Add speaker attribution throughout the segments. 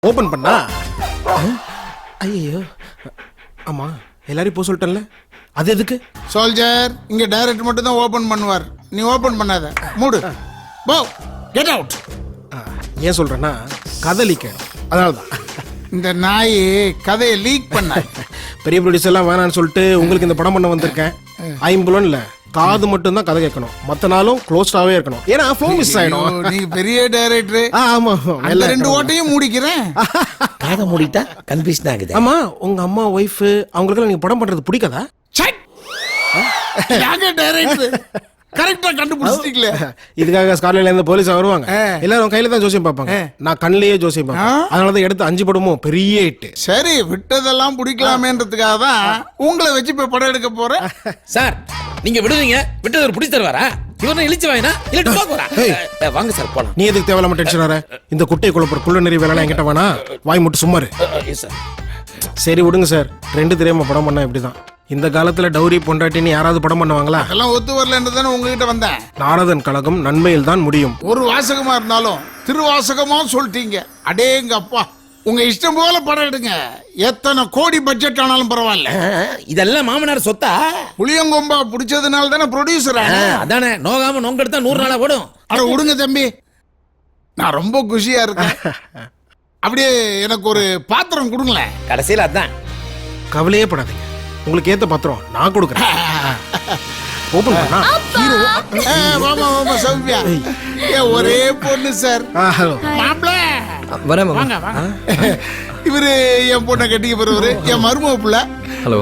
Speaker 1: Open பண்ணா ஐயோ ஆமா எல்லாரையும் போக சொல்லிட்டேன்ல அது எதுக்கு
Speaker 2: சோல்ஜர் இங்க டைரக்ட் மட்டும் தான் ஓபன் பண்ணுவார் நீ ஓபன் பண்ணாத மூடு போ கெட் அவுட்
Speaker 1: ஏன் சொல்றேன்னா கதை லீக் அதனால தான்
Speaker 2: இந்த நாய் கதையை லீக் பண்ண
Speaker 1: பெரிய ப்ரொடியூசர் எல்லாம் வேணான்னு சொல்லிட்டு உங்களுக்கு இந்த படம் பண்ண வந்திருக்கேன் ஐம்புலன் இல்ல காது மட்டும் தான் கதை கேட்கணும் மத்த நாளும் க்ளோஸ்டாவே இருக்கணும் ஏன்னா ஃப்ளோ மிஸ் ஆயிடும்
Speaker 2: நீ பெரிய டைரக்டர்
Speaker 1: ஆமா
Speaker 2: எல்லா ரெண்டு ஓட்டையும் மூடிக்கிறேன்
Speaker 3: காதை மூடிட்டா கன்ஃபியூஷன் ஆகுது.
Speaker 1: ஆமா உங்க அம்மா ஒய்ஃப் அவங்களுக்கெல்லாம் நீங்க படம் பண்றது பிடிக்காதா
Speaker 2: யாங்க டைரக்டர் கரெக்டா கண்டுபிடிச்சிட்டீங்களே
Speaker 1: இதுக்காக ஸ்கார்லேண்ட்ல இருந்து போலீஸ் வருவாங்க எல்லாரும் கையில தான் ஜோசியம் பார்ப்பாங்க நான் கண்ணிலேயே ஜோசியம் பார்ப்பேன் அதனாலதான் எடுத்து 5 படமும் பெரிய ஹிட்
Speaker 2: சரி விட்டதெல்லாம் பிடிக்கலாமேன்றதுக்காக தான் உங்களை வச்சு இப்ப படம் எடுக்க போறேன்
Speaker 3: சார் நீங்க விடுவீங்க விட்டது ஒரு பிடிச்சி தருவாரா இவனை இழிச்சு வாங்கினா இல்ல போறா வாங்க சார் போலாம்.
Speaker 1: நீ எதுக்கு தேவையில்லாம டென்ஷன் வர இந்த குட்டை குழப்பர் குள்ள நிறைய வேலை என்கிட்ட வேணா வாய் மட்டும் சும்மாரு
Speaker 3: சார்
Speaker 1: சரி விடுங்க சார் ரெண்டு தெரியாம படம் பண்ணா இப்படிதான் இந்த காலத்துல டௌரி பொண்டாட்டின்னு யாராவது படம் பண்ணுவாங்களா
Speaker 2: அதெல்லாம் ஒத்து வரலன்னு தானே உங்ககிட்ட வந்தேன்
Speaker 1: நாரதன் கழகம் நன்மையில் தான் முடியும்
Speaker 2: ஒரு வாசகமா இருந்தாலும் திருவாசகமா சொல்லிட்டீங்க அடேங்க அப்பா உங்க இஷ்டம் போல படம் எடுங்க எத்தனை கோடி பட்ஜெட் ஆனாலும் பரவாயில்ல
Speaker 3: இதெல்லாம் மாமனார் சொத்தா
Speaker 2: புளியங்கொம்பா பிடிச்சதுனால தானே ப்ரொடியூசர்
Speaker 3: அதானே நோகாம நோங்க எடுத்தா 100 நாளா ஓடும்.
Speaker 2: அட விடுங்க தம்பி நான் ரொம்ப குஷியா இருக்கேன் அப்படியே எனக்கு ஒரு பாத்திரம் கொடுங்களேன்
Speaker 3: கடைசியில அதான்
Speaker 1: கவலையே படாதீங்க உங்களுக்கு ஏத்த பத்திரம் நான் கொடுக்குறேன் ஓபன் பண்ணா
Speaker 2: ஹீரோ வாமா வாமா சௌமியா ஏன் ஒரே பொண்ணு சார்
Speaker 1: ஹலோ
Speaker 2: மாப்ள
Speaker 4: வரேன்
Speaker 2: வாங்க வாங்க இவரு என் பொண்ணை கட்டிக்க போறவரு என் மருமக புள்ள
Speaker 4: ஹலோ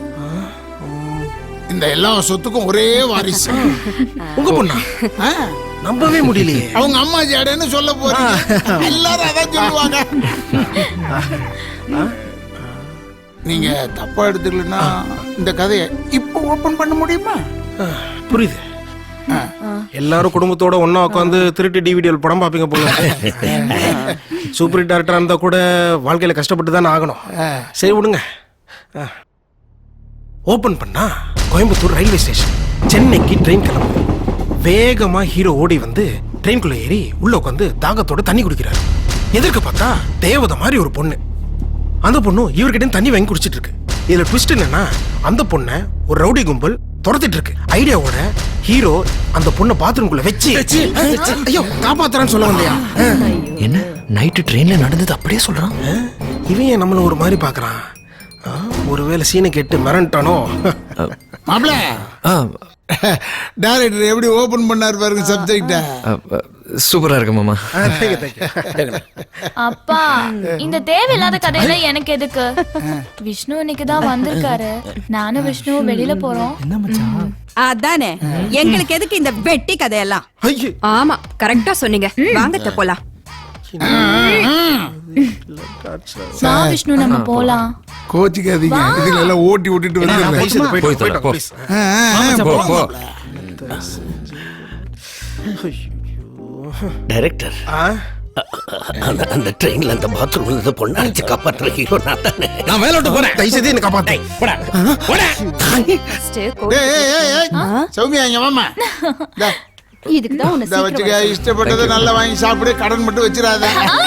Speaker 2: இந்த எல்லா சொத்துக்கும் ஒரே வாரிசு
Speaker 1: உங்க பொண்ணா
Speaker 2: ஆ,
Speaker 1: நம்பவே முடியலையே
Speaker 2: அவங்க அம்மா ஜாடன்னு சொல்ல போறீங்க எல்லாரும் அதான் சொல்லுவாங்க நீங்க தப்பா எடுத்துக்கலன்னா இந்த கதையை இப்ப ஓபன் பண்ண முடியுமா
Speaker 1: புரியுது எல்லாரும் குடும்பத்தோட ஒண்ணா உட்காந்து திருட்டு டிவிடியில் படம் பார்ப்பீங்க போல சூப்பர் ஹிட் டேரக்டரா இருந்தா கூட வாழ்க்கையில கஷ்டப்பட்டு தானே ஆகணும் சரி விடுங்க ஓபன் பண்ணா கோயம்புத்தூர் ரயில்வே ஸ்டேஷன் சென்னைக்கு ட்ரெயின் கிளம்பும் வேகமா ஹீரோ ஓடி வந்து ட்ரெயின்குள்ள ஏறி உள்ள உட்காந்து தாகத்தோட தண்ணி குடிக்கிறாரு எதிர்க்க பார்த்தா தேவதை மாதிரி ஒரு பொண்ணு அந்த பொண்ணு இவர்கிட்ட தண்ணி வாங்கி குடிச்சிட்டு இருக்கு இதுல ட்விஸ்ட் என்னன்னா அந்த பொண்ணை ஒரு ரவுடி கும்பல் துரத்திட்டு இருக்கு ஐடியாவோட ஹீரோ அந்த பொண்ணை பாத்ரூம்குள்ள வச்சு ஐயோ காப்பாத்துறான்னு சொல்ல வந்தியா
Speaker 4: என்ன நைட்டு ட்ரெயின்ல நடந்தது அப்படியே சொல்றான்.
Speaker 1: இவன் ஏன் நம்மள ஒரு மாதிரி பாக்குறான் ஒருவேளை சீனை கேட்டு மிரண்டானோ
Speaker 2: மாப்ள
Speaker 4: ஆ,
Speaker 2: டைரக்டர் எப்படி ஓபன் பண்ணாரு பாருங்க சப்ஜெக்ட
Speaker 4: சூப்பரா இருக்கு மாமா.
Speaker 5: அப்பா இந்த தேவையில்லாத கதையில எனக்கு எதுக்கு விஷ்ணு இன்னைக்கு தான் வந்திருக்காரு நானும் விஷ்ணுவும் வெளியில போறோம்
Speaker 6: அதானே எங்களுக்கு எதுக்கு இந்த வெட்டி கதையெல்லாம்
Speaker 1: ஐயே
Speaker 7: ஆமா கரெக்டா சொன்னீங்க வாங்க போலாம்.
Speaker 5: நான் விஷ்ணு நம்ம போலாம்
Speaker 2: கோச்சிக்காதீங்க இதுல எல்லாம் ஓட்டி விட்டுட்டு வந்து
Speaker 1: போயிட்டு
Speaker 4: போ.
Speaker 1: please.
Speaker 4: போ, போ.
Speaker 3: டைரக்டர்
Speaker 1: ஆ?
Speaker 3: அந்த ட்ரெயின்ல அந்த பாத்ரூம்ல இருந்து பொண்ணு அடிச்சு காப்பாற்றுற ஹீரோ நான் தானே. நான் வேலை விட்டு போறேன்.
Speaker 1: தயவு செய்து என்னை காப்பாத்து.
Speaker 3: போடா போடா.
Speaker 2: சௌமியா இங்க வாமா
Speaker 6: இதுக்கு தான் உன்னை
Speaker 2: இத வச்சுக்க இஷ்டப்பட்டதை நல்லா வாங்கி சாப்பிடு கடன் மட்டும் வச்சிடாத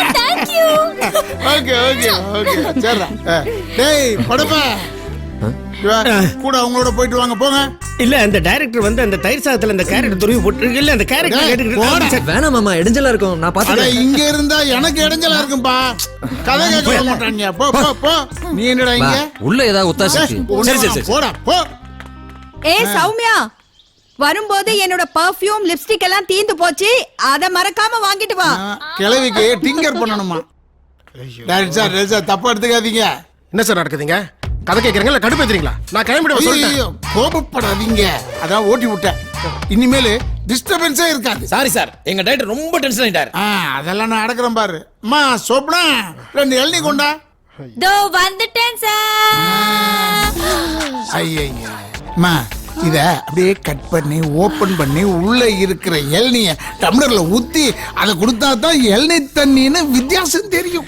Speaker 2: ஓகே ஓகே ஓகே சரிடா டேய் படப்பா கூட அவங்களோட போயிட்டு வாங்க போங்க
Speaker 3: இல்ல அந்த டைரக்டர் வந்து அந்த தயிர் சாதத்துல அந்த கேரட் துருவி போட்டு இல்ல அந்த கேரட் கேட்டுக்கிட்டு
Speaker 4: வேணாம் மாமா இடைஞ்சலா இருக்கும் நான்
Speaker 2: அட
Speaker 4: பாத்துக்கிறேன்.
Speaker 2: இங்க இருந்தா எனக்கு இடைஞ்சலா இருக்கும்பா கதை கேட்க மாட்டாங்க போ போ போ நீ என்னடா இங்க
Speaker 4: உள்ள ஏதாவது ஒத்தாசி
Speaker 2: போடா போ
Speaker 6: ஏ சௌமியா வரும்போது என்னோட பர்ஃப்யூம் லிப்ஸ்டிக் எல்லாம் தீந்து போச்சு அத மறக்காம வாங்கிட்டு வா.
Speaker 2: கிழவிக்கு டிங்கர் பண்ணணுமா டைரக்டர் சார் தப்பா எடுத்துக்காதீங்க
Speaker 1: என்ன சார் நடக்குதுங்க கதை கேட்கறீங்களா இல்ல கடுப்பேத்துறீங்களா நான் கிளம்பிடுவேன் சொல்லிட்டேன்
Speaker 2: ஐயோ, கோபப்படாதீங்க அதான் ஓட்டி விட்டேன் இனிமேல் டிஸ்டர்பன்ஸே இருக்காது
Speaker 3: சாரி சார் எங்க டைரக்டர் ரொம்ப டென்ஷன் ஆயிட்டார்.
Speaker 2: அதெல்லாம் நான் அடக்குறேன் பாரு அம்மா சோப்னா 2 இளநீ கொண்டா
Speaker 5: தோ வந்துட்டேன் சார்
Speaker 2: ஐயா அம்மா இத அப்படியே கட் பண்ணி ஓபன் பண்ணி உள்ள இருக்கிற இளநிய டம்ளர்ல ஊத்தி அதை கொடுத்தா தான் இளநீ தண்ணின்னு வித்தியாசம் தெரியும்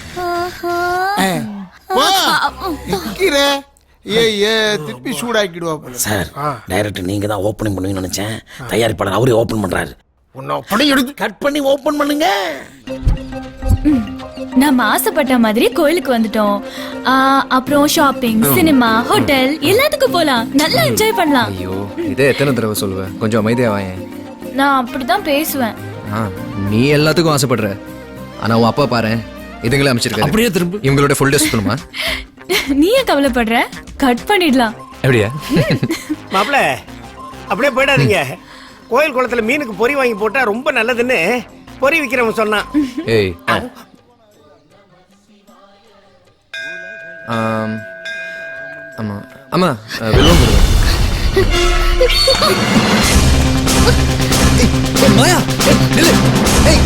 Speaker 2: நிக்கிற திருப்பி சூடாக்கிடுவா போல.
Speaker 3: சார் டைரக்டர் நீங்க தான் ஓபனிங் பண்ணுவீங்கன்னு நினைச்சேன் தயாரிப்பாளர் அவரே ஓபன் பண்றாரு.
Speaker 1: உன்னை படம் எடுத்து
Speaker 3: கட் பண்ணி ஓபன் பண்ணுங்க.
Speaker 5: நம்ம ஆசைப்பட்ட மாதிரி கோயிலுக்கு வந்துட்டோம். அப்புறம் ஷாப்பிங், சினிமா, ஹோட்டல் எல்லாத்துக்கும் போலாம். நல்லா என்ஜாய் பண்ணலாம்.
Speaker 4: ஐயோ இதே எத்தனை தடவை சொல்லுவேன், கொஞ்சம் அமைதியா வாயேன்.
Speaker 5: நான் அப்படிதான் பேசுவேன்.
Speaker 4: நீ எல்லாத்துக்கும் ஆசைப்படுற, ஆனா உன் அப்பா பாரு இதுங்களே அமைச்சிருக்காரு.
Speaker 3: அப்படியே திரும்ப
Speaker 4: இவங்களோட ஃபுல் டே சுத்தணுமா?
Speaker 5: நீ ஏன் கவலைப்படுற? கட் பண்ணிடலாம்.
Speaker 4: எப்படியா?
Speaker 8: மாப்பிள அப்படியே போயிடாதீங்க. கோயில் குளத்துல மீனுக்கு பொறி வாங்கி போட்டா ரொம்ப நல்லதுன்னு பொறி விக்கிறவன் சொன்னான்.
Speaker 4: ஏய் ஆமா ஆமா வெல்வம் கொடுங்க. மாயா நில்லு. ஏய்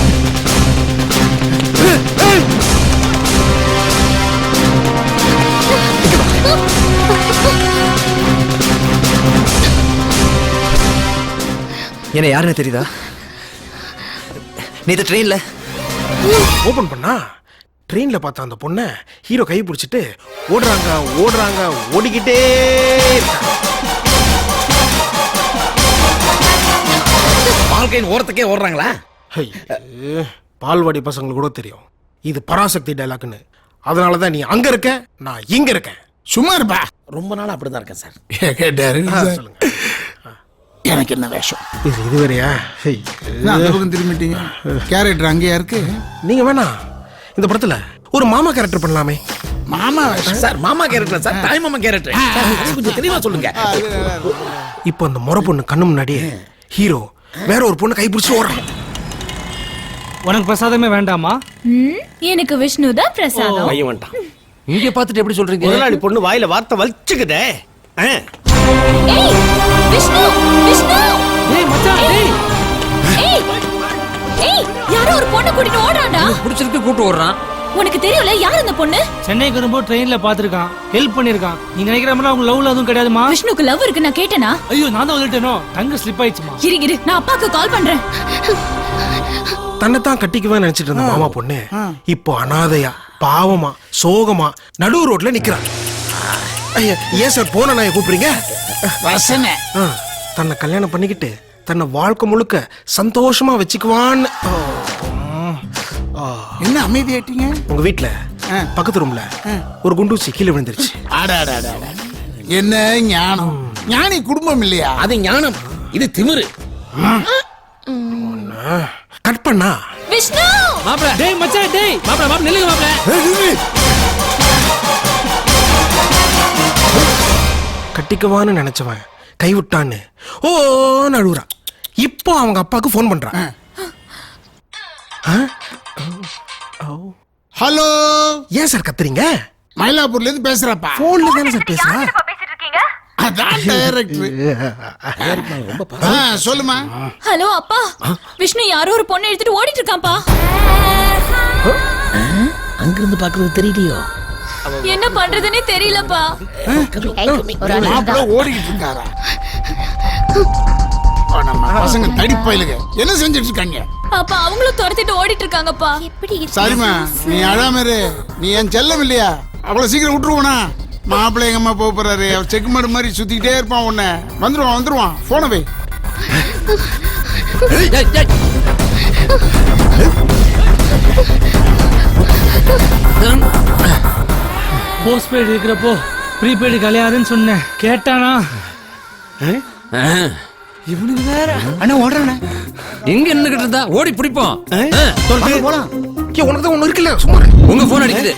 Speaker 4: என்ன யாருன்னு தெரியுதா? நீ ட்ரெயின்ல
Speaker 1: ஓபன் பண்ணா ட்ரெயின்ல பார்த்த அந்த பொண்ணை ஹீரோ கை பிடிச்சிட்டு ஓடுறாங்க ஓடுறாங்க ஓடிக்கிட்டே இருக்காங்க.
Speaker 3: வாழ்க்கையின் ஓரத்துக்கே ஓடுறாங்களா?
Speaker 1: ஐயே, பால்வாடி பசங்களுக்கு கூட தெரியும் இது பராசக்தி டைலாக்னு. அதனாலதான் நீ அங்க இருக்க, நான் இங்க இருக்கேன்.
Speaker 2: சும்மா இருப்பா.
Speaker 3: ரொம்ப நாள் அப்படிதான் இருக்கேன் சார்.
Speaker 2: கேட்டாரு
Speaker 1: சொல்லுங்க.
Speaker 2: எனக்கு என்ன வேஷம்?
Speaker 1: இது வேறையா?
Speaker 2: நான் அந்த பக்கம் திரும்பிட்டீங்க. கேரக்டர் அங்கேயா இருக்கு?
Speaker 1: நீங்க வேணா இந்த படத்துல ஒரு மாமா கேரக்டர் பண்ணலாமே.
Speaker 2: மாமா வேஷம்
Speaker 3: சார் மாமா கேரக்டர் சார், தாய் மாமா கேரக்டர். கொஞ்சம் தெளிவா சொல்லுங்க.
Speaker 1: இப்போ அந்த முறை பொண்ணு கண்ணு முன்னாடியே ஹீரோ வேற ஒரு பொண்ணு கை பிடிச்சி ஓடுறான்.
Speaker 9: உனக்கு பிரசாதமே வேண்டாமா?
Speaker 5: எனக்கு விஷ்ணு தான் பிரசாதம்.
Speaker 8: பையன் வந்துட்டான்.
Speaker 4: இங்க பார்த்துட்டு எப்படி சொல்றீங்க?
Speaker 8: முதலாளி பொண்ணு வாயில வார்த்தை வலிச்சுக்குதே.
Speaker 5: ஏய் விஷ்ணு, விஷ்ணு!
Speaker 9: ஏய் மச்சான், ஏய்
Speaker 5: ஏய் ஏய் யாரோ ஒரு பொண்ணு கூட்டிட்டு ஓடுறான்டா.
Speaker 4: பிடிச்சிருக்கு கூட்டு ஓடுறான்.
Speaker 5: உனக்கு தெரியும்ல யார் அந்த பொண்ணு?
Speaker 9: சென்னைக்கு வரும்போது ட்ரெயின்ல பாத்துருக்கான், ஹெல்ப் பண்ணிருக்கான். நீ நினைக்கிற மாதிரி அவங்க லவ்ல அதுவும் கிடையாதுமா.
Speaker 5: விஷ்ணுக்கு லவ் இருக்கு நான் கேட்டேனா?
Speaker 9: ஐயோ நான் தான் வந்துட்டேனோ, தங்க ஸ்லிப் ஆயிடுச்சுமா.
Speaker 5: இரு நான் அப்பாக்கு கால் பண்றேன்.
Speaker 1: தன்னைத்தான் கட்டிக்குவேன் நினைச்சிட்டு இருந்த மாமா பொண்ணு இப்போ அனாதையா பாவமா சோகமா நடு ரோட்ல நிக்கிறான். ஐயா ஏன் சார் போன நான் கூப்பிடுறீங்க?
Speaker 2: ரசனை.
Speaker 1: தன்னை கல்யாணம் பண்ணிக்கிட்டு தன்னை வாழ்க்கை முழுக்க சந்தோஷமா வச்சுக்குவான்னு.
Speaker 2: என்ன அமைதியாயிட்டீங்க?
Speaker 1: உங்க வீட்டுல பக்கத்து ரூம்ல ஒரு குண்டூசி கீழே விழுந்துருச்சு.
Speaker 2: என்ன ஞானம்! ஞானி குடும்பம் இல்லையா?
Speaker 3: அது ஞானம், இது திமிரு.
Speaker 1: கட் பண்ணா
Speaker 5: விஷ்ணு!
Speaker 3: மாப்ள
Speaker 9: டேய் மச்சான், டேய்
Speaker 3: மாப்ள நில்லுங்க மாப்ள.
Speaker 1: கட்டிக்குவான்னு நினைச்சவன் கைவிட்டான்னு ஓ நழுவுறான். இப்போ அவங்க அப்பாவுக்கு ஃபோன் பண்றான்.
Speaker 2: ஹலோ,
Speaker 1: ஏன் சார் கத்துறீங்க?
Speaker 2: மயிலாப்பூர்ல இருந்து பேசுறப்பா.
Speaker 1: போன்ல தானே சார் பேசுறா.
Speaker 2: அதான் டைரக்டர். சொல்லுமா.
Speaker 5: ஹலோ அப்பா, விஷ்ணு யாரோ ஒரு பொண்ணு எடுத்துட்டு ஓடிட்டு இருக்கான்ப்பா.
Speaker 3: அங்கிருந்து பாக்குறது தெரியலையோ?
Speaker 5: என்ன பண்றதுன்னே தெரியலப்பா.
Speaker 2: மாப்பிள்ள ஓடிக்கிட்டு இருக்காரா? நம்ம பசங்க தடிப்பயிலுங்க என்ன செஞ்சிட்டு இருக்காங்க?
Speaker 5: அப்பா அவங்களும் துரத்திட்டு ஓடிட்டு இருக்காங்கப்பா.
Speaker 2: சரிம்மா, நீ அழாம இரு. நீ என் செல்லம் இல்லையா? அவ்வளவு சீக்கிரம் விட்டுருவோனா? மாப்பிள்ளை எங்க அம்மா போக போறாரு. அவர் செக் மாடு மாதிரி சுத்திக்கிட்டே இருப்பான். உன்ன வந்துருவான். போன வை.
Speaker 9: போஸ்ட் பெய்டு இருக்கிறப்போ ப்ரீபெய்டு கல்யாணம்னு சொன்னேன், கேட்டானா?
Speaker 3: இவனுக்கு வேற
Speaker 2: அண்ணா ஓடுறானே.
Speaker 4: எங்க நின்னுகிட்டு இருந்தா ஓடி பிடிப்போம்.
Speaker 8: போலாம்.
Speaker 1: உனக்கு தான் ஒண்ணு இருக்குல்ல, சும்மா
Speaker 4: உங்க போன் அடிக்குது.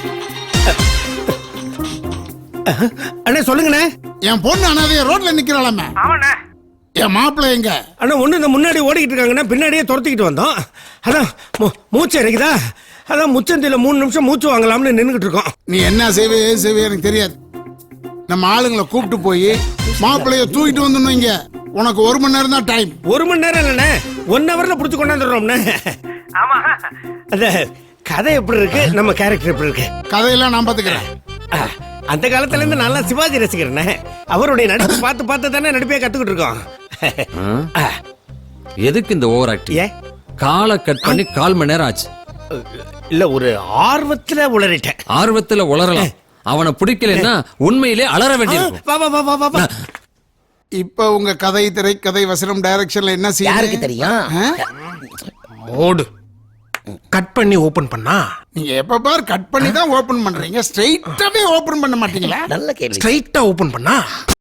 Speaker 8: அண்ணே சொல்லுங்கண்ணே.
Speaker 2: என் பொண்ணு அனாதைய ரோட்ல நிக்கிறாளாமே. என் மாப்பிள்ளை எங்க?
Speaker 8: அண்ணா ஒண்ணு இந்த முன்னாடி ஓடிக்கிட்டு இருக்காங்கன்னா பின்னாடியே துரத்திக்கிட்டு வந்தோம். அதான் மூச்சு இறக்குதா, அதான் முச்சந்தில 3 நிமிஷம் மூச்சு வாங்கலாம்னு நின்னுகிட்டு இருக்கோம்.
Speaker 2: நீ என்ன செய்வே எனக்கு தெரியாது. நம்ம ஆளுங்களை கூப்பிட்டு போய் மாப்பிள்ளைய தூக்கிட்டு வந்துடணும். இங்க உனக்கு 1 மணி நேரம் தான் டைம்.
Speaker 8: 1 மணி நேரம் இல்லண்ணே, 1 ஹவர்ல புடிச்சு கொண்டாந்துடுறோம்ண்ணே. ஆமா, அந்த கதை எப்படி இருக்கு, நம்ம கேரக்டர் எப்படி இருக்கு?
Speaker 2: கதையெல்லாம் நான் பாத்துக்கிறேன்.
Speaker 8: அந்த காலத்துல இருந்து நல்லா சிவாஜி ரசிக்கிறேனே. அவருடைய நடிப்பு பார்த்து தானே நடிப்பே கத்துக்கிட்டு இருக்கோம்.
Speaker 4: எதுக்கு இந்த ஓவர் ஆக்டிங்?
Speaker 8: ஏன்
Speaker 4: காலை கட் பண்ணி 1/4 மணி நேரம் ஆச்சு.
Speaker 8: இல்ல, ஒரு ஆர்வத்துல உளறிட்டேன்.
Speaker 4: ஆர்வத்துல உளறலாம். அவனை பிடிக்கலன்னா உண்மையிலே அலற வேண்டியிருக்கும்.
Speaker 8: வா வா வா வா வா.
Speaker 2: இப்ப உங்க கதை, திரை, கதை, வசனம், டைரக்ஷன்ல என்ன செய்ய
Speaker 3: யாருக்கு தெரியும்?
Speaker 1: ஓடு. கட் பண்ணி ஓபன் பண்ணா
Speaker 2: நீங்க எப்ப பார் கட் பண்ணி தான் ஓபன் பண்றீங்க, ஸ்ட்ரைட்டாவே ஓபன் பண்ண மாட்டீங்களா?
Speaker 3: நல்ல கேள்வி.
Speaker 1: ஸ்ட்ரைட்டா ஓபன் பண்ணா